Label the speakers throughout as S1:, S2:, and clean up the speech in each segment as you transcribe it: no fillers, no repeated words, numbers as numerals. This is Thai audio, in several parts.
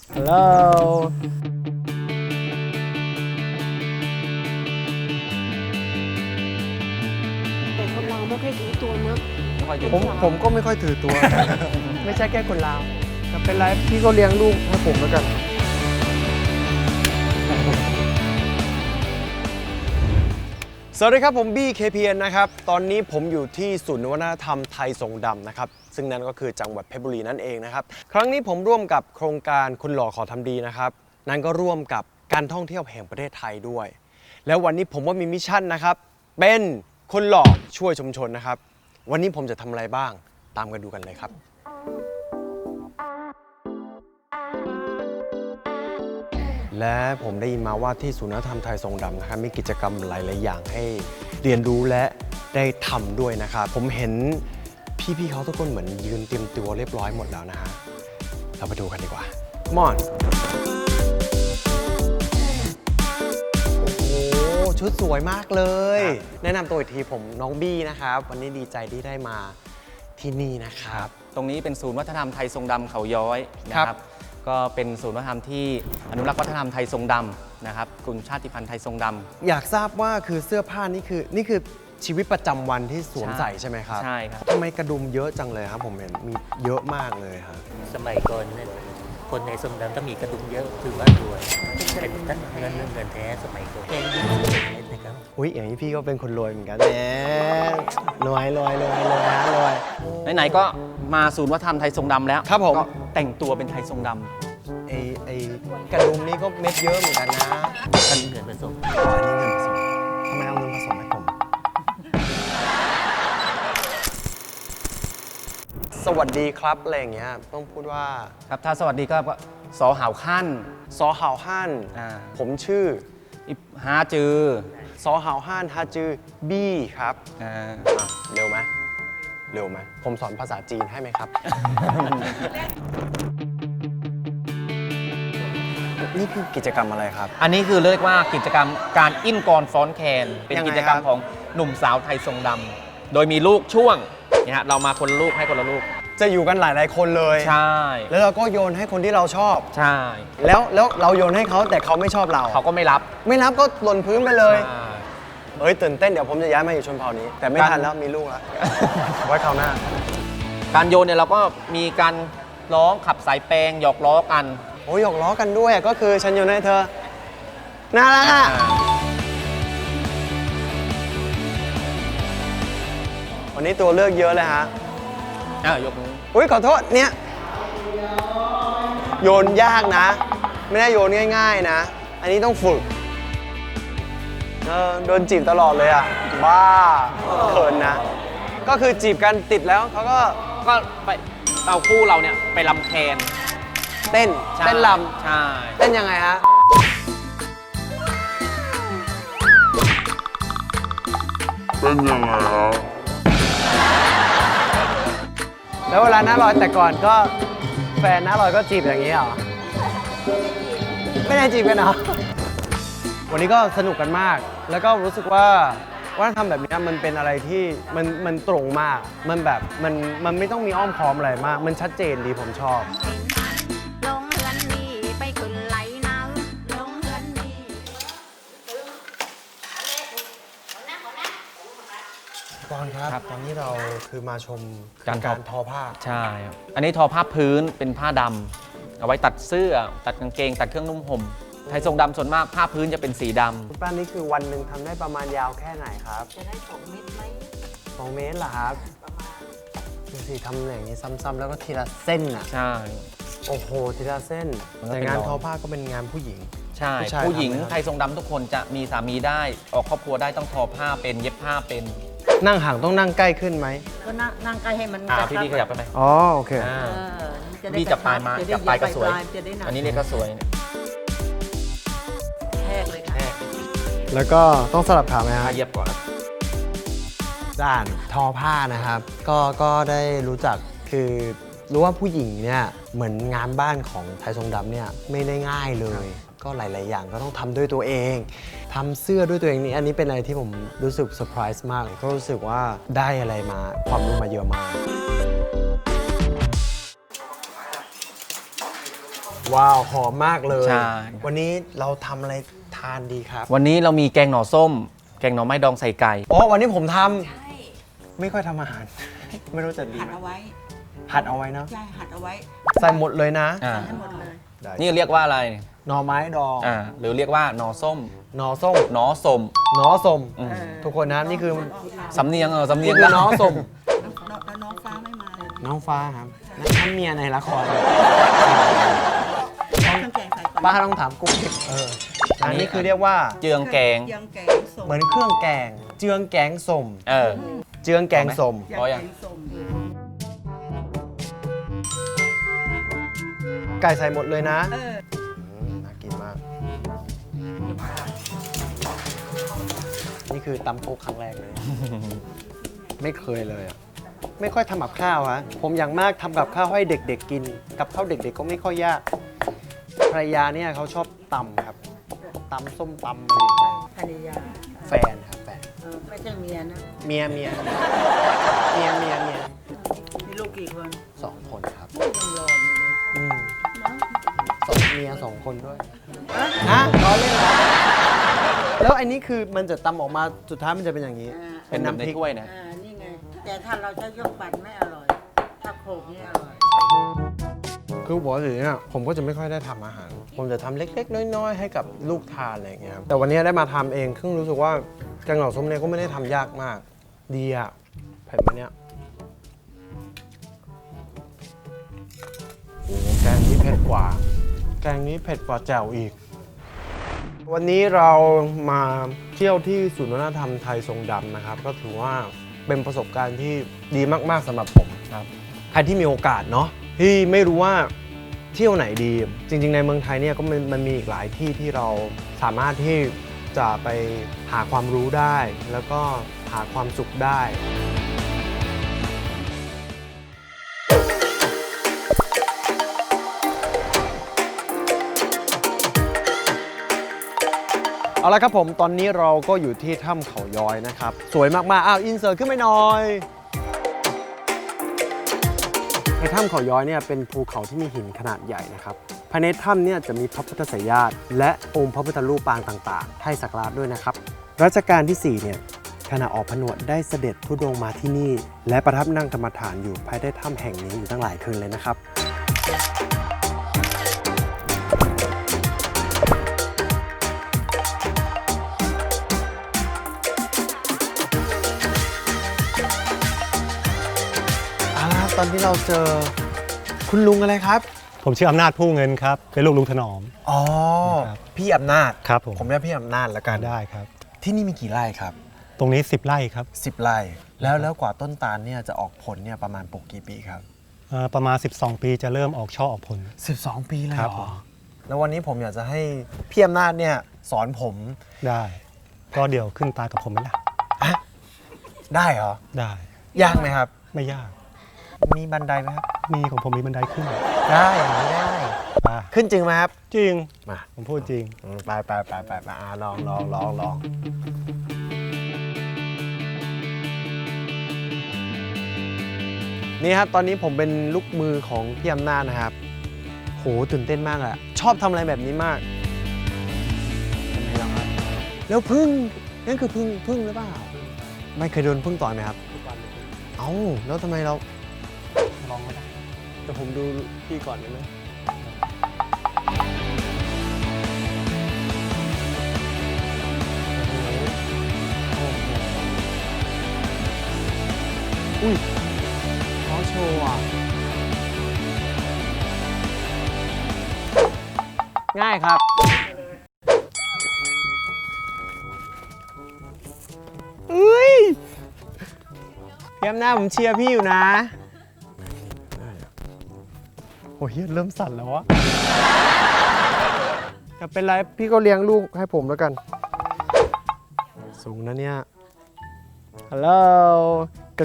S1: ฮัลโหล
S2: แต่คนเราไม่ค่อยถือตัวเนอะ
S1: ผมก็ไม่ค่อยถือตัว ไม่ใช่แค่คนลาวแต่เป็นไรพี่ก็เลี้ยงลูกให้ผมแล้วกัน สวัสดีครับผมบี้ KPN นะครับตอนนี้ผมอยู่ที่ศูนย์วัฒนธรรมไทยทรงดำนะครับซึ่งนั่นก็คือจังหวัดเพชรบุรีนั่นเองนะครับครั้งนี้ผมร่วมกับโครงการคนหล่อขอทำดีนะครับนั่นก็ร่วมกับการท่องเที่ยวแห่งประเทศไทยด้วยแล้ววันนี้ผมว่ามีมิชชั่นนะครับเป็นคนหล่อช่วยชุมชนนะครับวันนี้ผมจะทำอะไรบ้างตามกันดูกันเลยครับและผมได้ยินมาว่าที่ศูนย์วัฒนธรรมไทยทรงดำนะครับมีกิจกรรมหลายๆอย่างให้เรียนรู้และได้ทำด้วยนะครับผมเห็นพี่ๆเขาทุกคนเหมือนยืนเตรียมตัวเรียบร้อยหมดแล้วนะฮะเราไปดูกันดีกว่ามอนโอ้โหชุดสวยมากเลยแนะนำตัวอีกทีผมน้องบี้นะครับวันนี้ดีใจที่ได้มาที่นี่นะครับ
S3: ตรงนี้เป็นศูนย์วัฒนธรรมไทยทรงดำเขาย้อยนะครับก็เป็นศูนย์วัฒนธรรมที่อนุรักษ์วัฒนธรรมไทยทรงดำนะครับกลุ่มชาติพันธุ์ไทยทรงดำ
S1: อยากทราบว่าคือเสื้อผ้านี่คือชีวิตประจำวันที่สวมใส่ใช่ไหมครับ
S3: ใช่ครับ
S1: ทำไมกระดุมเยอะจังเลยครับผมเห็นมีเยอะมากเลยครับ
S4: สมัยก่อนเนี่ยคนในทรงดำต้องมีกระดุมเยอะถือว่ารวยเป็นท่านเงินแท้สมัยก่อนแกงยิ่งเล่นนะครับ
S1: อุ้ยอย่างนี้พี่ก็เป็นคนรวยเหมือนกันแหมรวยฮะรวย
S3: ไหนๆก็มาศูนย์วัฒนธรรมไทยทรงดำแล้ว
S1: ครับผม
S3: ก็แต่งตัวเป็นไทยทรงด
S1: ไอ้กระดุมนี่ก็เม็ดเยอะเหมือนกันนะ
S4: ท่านเงินผสม
S1: อ๋ออันนี้เงินผสมทำไมเอาเงินผสมให้ผมสวัสดีครับอะไรอย่างเงี้ยต้องพูดว่า
S3: ำครับถ้าสวัสดีก็สอหาวขั้น
S1: ซอหาวฮั่น
S3: อ่า
S1: ผมชื่อ
S3: อิบฮาจือ
S1: ซอหาวฮั่นฮาจือบี้ครับ
S3: อ่า
S1: อ่ะเร็วไหมผมสอนภาษาจีนให้ไหมครับ นี่คือกิจกรรมอะไรครับ
S3: อันนี้คือเรียกว่ากิจกรรมการอิ้นกรฟ้อนแคนเป็น
S1: ยังไง
S3: กิจกรรม
S1: ครับ
S3: ของหนุ่มสาวไทยทรงดำโดยมีลูกช่วงเนี่ยฮะเรามาคนละลูกให้คนละลูก
S1: จะอยู่กันหลายๆคนเลย
S3: ใช่
S1: แล้วเราก็โยนให้คนที่เราชอบ
S3: ใช่
S1: แล้วเราโยนให้เขาแต่เขาไม่ชอบเรา
S3: เขาก็ไม่รับ
S1: ไม่รับก็หล่นพื้นไปเลย
S3: ใช่
S1: เอ้ยตื่นเต้นเดี๋ยวผมจะย้ายมาอยู่ชนเผ่านี้ แต่ไม่ทันแล้วมีลูกแล้ว ไว้คราวหน้า
S3: การโยนเนี่ยเราก็มีการร้องขับสายแปลงหยอกล้อกัน
S1: โอ้ยหยอกล้อกันด้วยก็คือฉันโยนให้เธอน่ารักอ่ะวันนี้ตัวเลือกเยอะเลยฮะ
S3: ยกมือ
S1: อุ้ยขอโทษเนี่ยโยนยากนะ ไม่ได้โยนง่ายๆนะ อันนี้ต้องฝึกโดนจีบตลอดเลยอ่ะบ้าเขินนะ ก็คือจีบกันติดแล้วเขาก็
S3: ก็ไปเอาคู่เราเนี่ยไปลำแคน
S1: เต้น
S3: ใช่
S1: เต้นล
S3: ใช่
S1: ำเต้นยังไงฮะแล้วเวลาหน้าลอยแต่ก่อนก็แฟนหน้าลอยก็จีบอย่างนี้เหรอ ไม่ได้จีบกันเหรอ วันนี้ก็สนุกกันมาก แล้วก็รู้สึกว่าวัฒนธรรมแบบนี้มันเป็นอะไรที่มันตรงมาก มันแบบมันไม่ต้องมีอ้อมค้อมอะไรมาก มันชัดเจนดีผมชอบ
S2: ลงเรือนนี่ไปขึ้นไหลน้ำลงเรือนนี่
S1: ตอนครับ ตอนนี้เราคือมาชม
S3: การ
S1: ทอผ้า
S3: ใช่ครับอันนี้ทอผ้าพื้นเป็นผ้าดำเอาไว้ตัดเสื้อ ตัดกางเกง ตัดเครื่องนุ่งห่มไทยทรงดำส่วนมากผ้าพื้นจะเป็นสีดำ
S1: คุณป้านี่คือวันหนึ่งทำได้ประมาณยาวแค่ไหนครับ
S2: จะได้2 เม็ดไหม
S1: 2 เมตรเหรอครับ
S2: ประมาณ
S1: ดูสิทำอย่างนี้ซ้ำๆแล้วก็ทีละเส้นอ่ะ
S3: ใช่
S1: โอ้โห ทีละเส้น
S3: มันก็
S1: แต่
S3: เป็น
S1: งาน
S3: รอย
S1: ทอผ้าก็เป็นงานผู้หญิง
S3: ใช่
S1: ผู้ชาย
S3: ผู้หญิง
S1: ทำไหมครับ
S3: ไทยทรงดำทุกคนจะมีสามีได้ออกครอบครัวได้ต้องทอผ้าเป็นเย็บผ้าเป็น
S1: นั่งห่างต้องนั่งใกล้ขึ้นไหม
S2: ก็นั่งใกล้ให้มัน
S3: พี่ดีขยับไปไหม
S1: อ๋อ โอเค
S3: อ่า
S2: จะได้
S3: พี่จับปลายมา
S2: จะได้
S3: จับปลายก็สวย
S2: จะได้หนัก
S3: อันนี้เนี่ยก็สวย
S2: แทกเลยค่ะ
S3: แค่
S1: แล้วก็ต้องสลับขาไหมค
S3: ผ้า
S1: รับ
S3: เย็บก่อน
S1: ด้านทอผ้านะครับ ก็ได้รู้จักคือรู้ว่าผู้หญิงเนี่ยเหมือนงานบ้านของไทยทรงดำเนี่ยไม่ได้ง่ายเลย ก็หลาย ๆ อย่างก็ต้องทำด้วยตัวเองทำเสื้อด้วยตัวเองนี่อันนี้เป็นอะไรที่ผมรู้สึกเซอร์ไพรส์มากก็รู้สึกว่าได้อะไรมาความรู้มาเยอะมากว้าวหอมมากเลย
S3: ใช่
S1: วันนี้เราทำอะไรทานดีครับ
S3: วันนี้เรามีแกงหน่อส้ม แกงหน่อไม้ดองใส่ไก่
S1: อ๋อวันนี้ผมทำไม่ค่อยทำอาหาร ไม่รู้จะดี
S5: หัด
S1: ไหม
S5: เอาไว้
S1: หัดเอาไว้เนาะ
S5: ใช่หัดเอาไว้
S1: ใส่หมดเลยนะ
S3: อ่า
S5: ให้หมดเลย
S1: ได้
S3: นี่เรียกว่าอะไร
S1: หน่อไม้ดอง
S3: หรือเรียกว่าหน่อส้ม
S1: หน่อส้ม
S3: หน่อส้ม
S1: หน่อส้ม
S3: อืม
S1: ทุกคนนะนี่คือ
S3: สำเนียงสำเนี
S1: นี่
S3: ยง
S1: คือหน่อส้ม
S5: แล้วน้องฟ้าไม่มาเลย
S1: น้องฟ้าครับนั่นเมียในละคร
S5: เครื่องแกงใส่ก่อน
S1: ป้าต้องถามกุ๊กอันนี้คือเรียกว่า
S3: เจืองแกง
S5: เจียงแกงส้ม
S1: เหมือนเครื่องแกง เจืองแกงส้ม เจืองแกงส้ม
S5: เจียง
S3: พอ
S5: แก
S3: ยัง
S5: งส้ม
S1: ไก่ใส่หมดเลยนะ น่ากินมาก นี่คือตำโคกครั้งแรกเลย ไม่เคยเลยอะไม่ค่อยทำกับข้าวฮะ ผมอย่างมากทำกับข้าวให้เด็กๆกิน กับข้าวเด็กๆก็ไม่ค่อยยาก ภรรยาเนี่ยเขาชอบตำครับ ตำส้มตำอะไรอย่างเงี้ย
S5: ภรรยา
S1: แฟนครับแฟน
S5: ไม่ใช่เมียนะ
S1: เมีย
S5: มีลูกกี่คน
S1: สองคนครับ
S5: ยังรออยู่เลย
S1: อืม
S5: เนาะ
S1: เมียสองคนด้วย
S5: อ่ะ
S1: ฮะล้อเล่นเหรอแล้วอันนี้คือมันจะตำออกมาสุดท้ายมันจะเป็นอย่างนี้
S3: เป็นน้ำพริกถ้วยนะ
S5: นี่ไง แต่ถ้าเราจะยกปั่นไม่อร่อย ถ้าโขลกนี่อร่อย
S1: คือปกติเนี่ยผมก็จะไม่ค่อยได้ทำอาหาร ผมจะทำเล็กๆ น้อยๆ ให้กับลูกทานอะไรอย่างเงี้ยครับแต่วันนี้ได้มาทำเองซึ่งรู้สึกว่าแกงหน่อส้มเนี่ยก็ไม่ได้ทำยากมาก ดีอ่ะเผ็ดไหมเนี่ยโอ้โหแกงนี้เผ็ดกว่า แกงนี้เผ็ดกว่าแจ่วอีก วันนี้เรามาเที่ยวที่ศูนย์วัฒนธรรมไทยทรงดำนะครับ ก็ถือว่าเป็นประสบการณ์ที่ดีมากๆสำหรับผมครับใครที่มีโอกาสเนาะที่ไม่รู้ว่าเที่ยวไหนดี จริงๆในเมืองไทยเนี่ยก็มันมีอีกหลายที่ที่เราสามารถที่จะไปหาความรู้ได้ แล้วก็หาความสุขได้ เอาละครับผมตอนนี้เราก็อยู่ที่ถ้ำเขาย้อยนะครับ สวยมากๆอ้าวอินเสิร์ตขึ้นไปหน่อยในถ้ำเขาย้อยเนี่ยเป็นภูเขาที่มีหินขนาดใหญ่นะครับภายในถ้ำเนี่ยจะมีพระพุทธไสยญาติและองค์พระพุทธรูปปางต่างๆให้สักการะด้วยนะครับรัชกาลที่4เนี่ยขณะออกผนวดได้เสด็จธุดงค์มาที่นี่ และประทับนั่งกรรมฐานอยู่ภายใต้ถ้ำแห่งนี้อยู่ตั้งหลายคืนเลยนะครับตอนที่เราเจอคุณลุงอะไรครับ
S6: ผมชื่ออำนาจผู้เงินครับ เป็นลูกลุงถนอม
S1: อ๋อ
S6: ครับ
S1: พี่อำนาจ
S6: ครับผม
S1: ผมเรียกพี่อำนาจแล้วกัน
S6: ได้ครับ
S1: ที่นี่มีกี่ไร่ครับ
S6: ตรงนี้ 10 ไร่ครับ
S1: 10 ไร่แล้วกว่าต้นตาลเนี่ยจะออกผลเนี่ยประมาณปลูกกี่ปีครับ
S6: ประมาณ 12 ปีจะเริ่มออกช่อออกผล
S1: 12 ปีเลย
S6: ครับ
S1: เหร
S6: ผ
S1: อ
S6: ม
S1: แล้ววันนี้ผมอยากจะให้พี่อำนาจเนี่ยสอนผม
S6: ได้ ก็เดี๋ยวขึ้นตากับผมไหมล่ะ
S1: ได้เหรอ
S6: ได้
S1: ยากไหมครับ
S6: ไม่ยาก
S1: มีบันไดไหมครับ
S6: มีของผมมีบันไดขึ้น
S1: ได้อย่างนี้ได้
S6: ไป
S1: ขึ้นจริงไหมครับ
S6: จริง
S1: มา
S6: ผมพูดจริง
S1: ไปลองนี่ครับตอนนี้ผมเป็นลูกมือของพี่อำนาจนะครับโหตื่นเต้นมากอะชอบทำอะไรแบบนี้มากทำไมล่ะครับแล้วพึ่งนั่นคือพึ่งหรือเปล่าไม่เคยโดนพึ่งต่อยไหมครับเอ้าแล้วทำไมเรา
S6: ลองไม่ได้
S1: แต่ผมดูพี่ก่อนได้ไหมอุ้ยเขาโชว์อ่ะ ง่ายครับ อุ้ยพี่อำนาจผมเชียร์พี่อยู่นะ โอ้ยเริ่มสั่นแล้ววะจะเป็นไรพี่ก็เลี้ยงลูกให้ผมแล้วกัน สูงนะเนี่ย ฮัลโหลกัก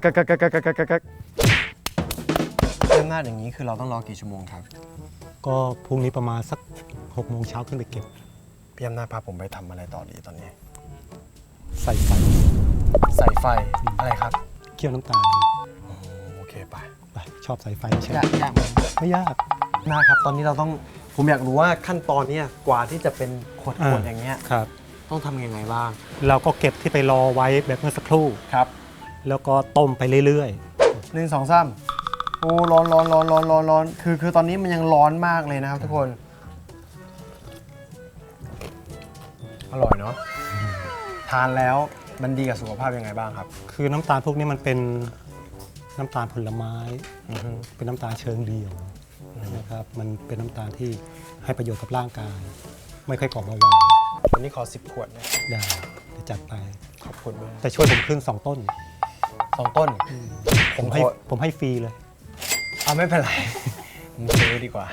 S1: เริ่มหน้าอย่างนี้คือเราต้องรอกี่ชั่วโมงครับ
S6: ก็พรุ่งนี้ประมาณสัก6 โมงเช้าขึ้นไปเก็บ
S1: พี่อำนาจพาผมไปทำอะไรต่อดีตอนนี้
S6: ใส่ไฟ
S1: ใส่ไฟอะไรครับ
S6: เคี่ยวน้ำตาล
S1: โอเคไป
S6: ไปชอบใส่ไฟใช่ไหม
S1: ยากไหม
S6: ไม่ยาก
S1: หน้าครับตอนนี้เราต้องผมอยากรู้ว่าขั้นตอนเนี้ยกว่าที่จะเป็นขวด
S6: อ่า
S1: อย่างเงี้ย
S6: ครับ
S1: ต้องทำยังไงบ้าง
S6: เราก็เก็บที่ไปรอไว้แบบเมื่อสักครู่
S1: ครับ
S6: แล้วก็ต้มไปเรื่อย
S1: 1 2 3โอ้ร้อนคือตอนนี้มันยังร้อนมากเลยนะครับทุกคน อร่อยเนาะทานแล้วมันดีกับสุขภาพยังไงบ้างครับ
S6: ๆ คือน้ำตาลพวกนี้มันเป็นน้ำตาลผลไม้ เป็นน้ำตาลเชิงเดี่ยวนะครับ มันเป็นน้ำตาลที่ให้ประโยชน์กับร่างกาย ไม่ค่อยก่อเบาหวาน
S1: วันนี้ขอ10 ขวดนะ
S6: ได้จะจัดไป
S1: ขอบคุณมาก
S6: แต่ช่วยผมขึ้น 2 ต้น
S1: 2 ต้น
S6: ผมให้ฟรีเลย
S1: เอาไม่เป็นไร ผมซื้อดีกว่า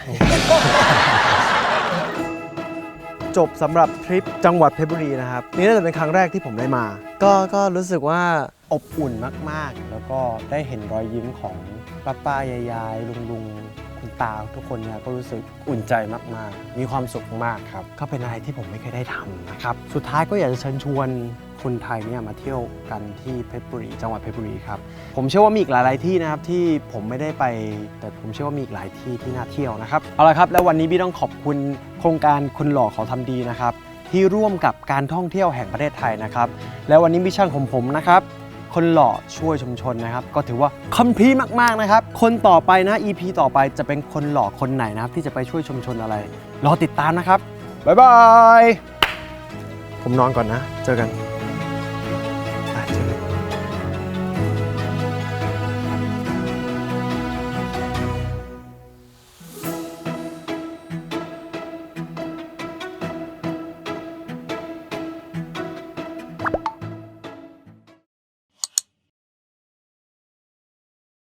S1: จบสำหรับทริปจังหวัดเพชรบุรีนะครับ นี่น่าจะเป็นครั้งแรกที่ผมได้มา ก็รู้สึกว่าอบอุ่นมากๆ แล้วก็ได้เห็นรอยยิ้มของป้าๆยายๆลุงๆคุณตาทุกคนเนี่ยก็รู้สึกอุ่นใจมากๆ มีความสุขมากครับก็เป็นอะไรที่ผมไม่เคยได้ทำนะครับสุดท้ายก็อยากจะเชิญชวนคนไทยเนี่ยมาเที่ยวกันที่เพชรบุรีจังหวัดเพชรบุรีครับผมเชื่อว่ามีอีกหลายๆที่นะครับที่ผมไม่ได้ไป แต่ผมเชื่อว่ามีอีกหลายที่ที่น่าเที่ยวนะครับเอาละครับแล้ววันนี้พี่ต้องขอบคุณโครงการคนหล่อเขาทำดีนะครับที่ร่วมกับการท่องเที่ยวแห่งประเทศไทยนะครับแล้ววันนี้มิชชั่นของผมนะครับคนหล่อช่วยชุมชนนะครับก็ถือว่าคัมภีร์มากๆนะครับคนต่อไปนะ EP ต่อไปจะเป็นคนหล่อคนไหนนะครับที่จะไปช่วยชุมชนอะไรรอติดตามนะครับบ๊ายบายผมนอนก่อนนะเจอกัน